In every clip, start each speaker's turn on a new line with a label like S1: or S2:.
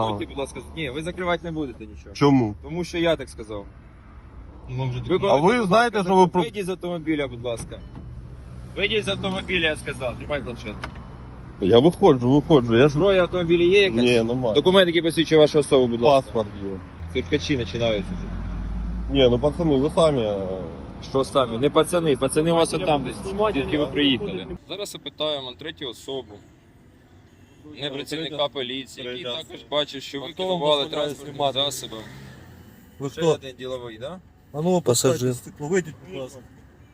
S1: Будьте, будь ласка, ні, ви закривати не будете нічого.
S2: Чому?
S1: Тому що я так сказав.
S2: А ви знаєте, що ви про...
S1: Вийдіть з автомобіля, будь ласка. Вийдіть з автомобіля, я сказав. Тримай планшет.
S2: Я виходжу. Я ж...
S1: Зброя в автомобілі є якась?
S2: Ні, немає.
S1: Документ, який посвідчує вашу особу, будь ласка.
S2: Паспорт є.
S1: Циркачі починаються.
S2: Ні, ну пацани, ви самі...
S1: Що самі? Не пацани, пацани у вас отам десь, звідки ви приїхали. Зараз опитаємо третю особу, не працівника поліції, який також бачив, що ви керували транспортним засобом.
S3: Ви
S1: Ще
S3: хто?
S1: один діловий, так?
S3: А ну,
S4: Пасажир.
S3: стекло, вийдіть, будь ласка.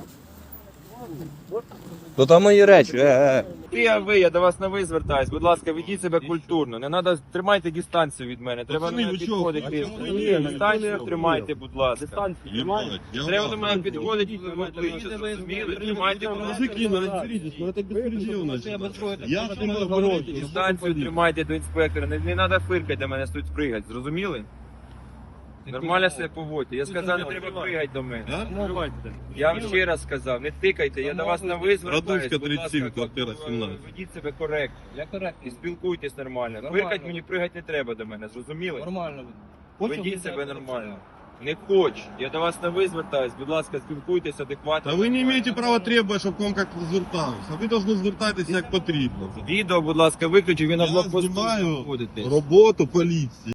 S4: Ну там мої речі,
S1: Я до вас на ви звертаюсь. Будь ласка, ведіть себе культурно. Не треба, тримайте дистанцію від мене. Треба до
S2: Пацани,
S1: мене
S2: ви чого?
S1: підходити.
S2: А чому ви
S1: Дистанцію тримайте, будь ласка.
S2: Єбать, я
S1: Треба
S2: вас-
S1: до мене підходити, ви обличчя зрозуміли. Тримайте, будь ласка.
S2: Мужики, ну разберитесь, ну это беспредел, значит. Я с вами говорю.
S1: Дистанцію тримайте до інспектора. Не треба фиркати до мене, тут пригати. Зрозуміли? Нормально себе поводьте. Я сказав, не треба пригати до мене. Я вам ще раз сказав, не тикайте, я до вас на ви звертаюсь.
S2: Радуська,
S1: Будь ласка,
S2: 37, квартира 17.
S1: Ведіть себе коректно. Я коректно. І спілкуйтесь нормально. Фиркать мені пригати не треба до мене, зрозуміли?
S3: Нормально.
S1: Ведіть себе нормально. Не хочу. Я до вас на ви звертаюсь. Будь ласка, спілкуйтесь адекватно.
S2: Та ви не маєте права требувати, щоб к вам як зверталися. А ви повинні звертатися як потрібно.
S1: Відео, будь ласка, виключу, ви на
S2: Я
S1: блокпосту
S2: знімаю
S1: знаходитесь.
S2: роботу поліції.